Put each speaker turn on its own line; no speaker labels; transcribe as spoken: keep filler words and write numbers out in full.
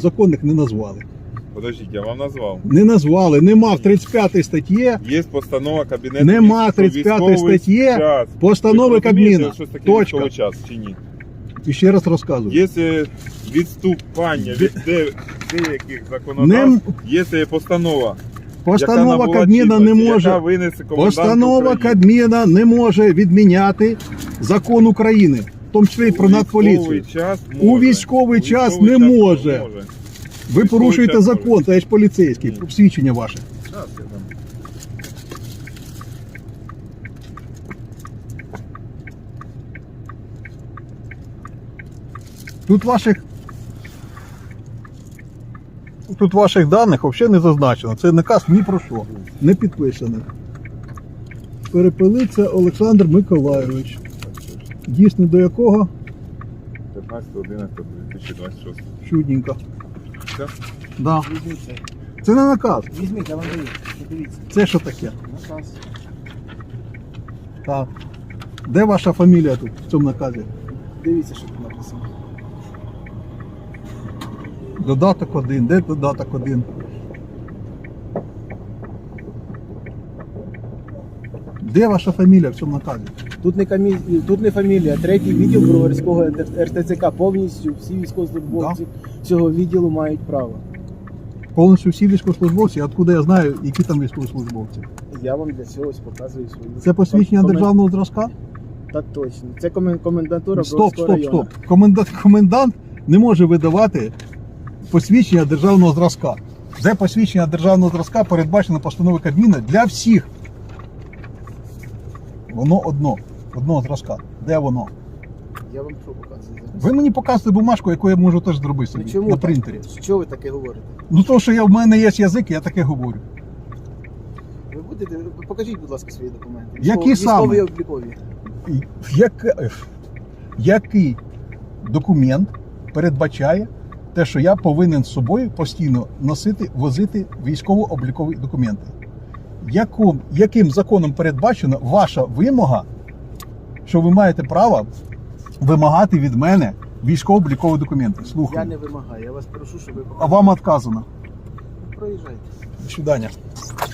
законних не назвали.
Подождіть, я вам назвав.
Не назвали, нема в тридцять п'ятій статті,
Є постанова Кабінету
нема
Міністрів
тридцять п'ятій
військовий
статті
час.
постанови
Ви розумієте,
Кабміна.
що таке
Точка.
військовий час чи ні?
І ще раз розказую.
Є е, відступання від де- деяких
Не-
законодавств, є е, постанова.
Постанова
яка набула
Кабміна не
чинності,
може.
яка винесе комендант
Постанова
України.
Кабміна не може відміняти закон України, в тому числі і про
У
Нацполіцію.
військовий час
У
може.
військовий
У
час
військовий
не
час
може. Ви
Військовий
порушуєте
час
закон,
може.
та я ж поліцейський,
Ні.
свідчення ваше.
Щас я дам.
Тут ваших Тут ваших даних взагалі не зазначено. Це наказ ні про що. Не підписаний. Перепелиця Олександр Миколайович. Дійсно до якого?
п'ятнадцяте одинадцяте дві тисячі двадцять шостого.
Чудненько.
Все?
Да.
Візьміть це.
Це не наказ.
Візьміть, я вам даю. Подивіться.
Це що таке?
Наказ.
Так. Де ваша фамілія тут в цьому наказі?
Дивіться, що тут написано.
Додаток один. Де додаток один? Де ваша фамілія в цьому наказі?
Тут не, камі... тут не фамілія, третій відділ Броварського ер те це ка. Повністю всі військовослужбовці цього відділу мають право.
Повністю всі військовослужбовці, а откуда я знаю, які там військовослужбовці?
Я вам для цього ось показую свої.
Це посвідчення
Комен-
державного зразка?
Так точно. Це комен... комендатура
Стоп,
Броварського
стоп,
району.
стоп. Комендант, комендант не може видавати посвідчення державного зразка. Це посвідчення державного зразка передбачено постановою Кабміна для всіх. Воно одно, одного зразка. Де воно?
Я вам що показую зараз?
Ви мені показуєте бумажку, яку я можу теж зробити
Ну
собі
чому
на
так?
принтері.
Що ви таке говорите?
Ну то, що я, в мене є язик, я таке говорю.
Ви будете... Покажіть, будь ласка, свої документи.
Які
Військові-
саме?
Військові облікові.
І Як, який документ передбачає те, що я повинен з собою постійно носити, возити військово-облікові документи? Яким, яким законом передбачена ваша вимога, що ви маєте право вимагати від мене військово-облікові документи?
Я
Слухаю.
не вимагаю, я вас прошу, щоб ви
А
показали.
вам відказано.
Проїжджайте.
До свидання.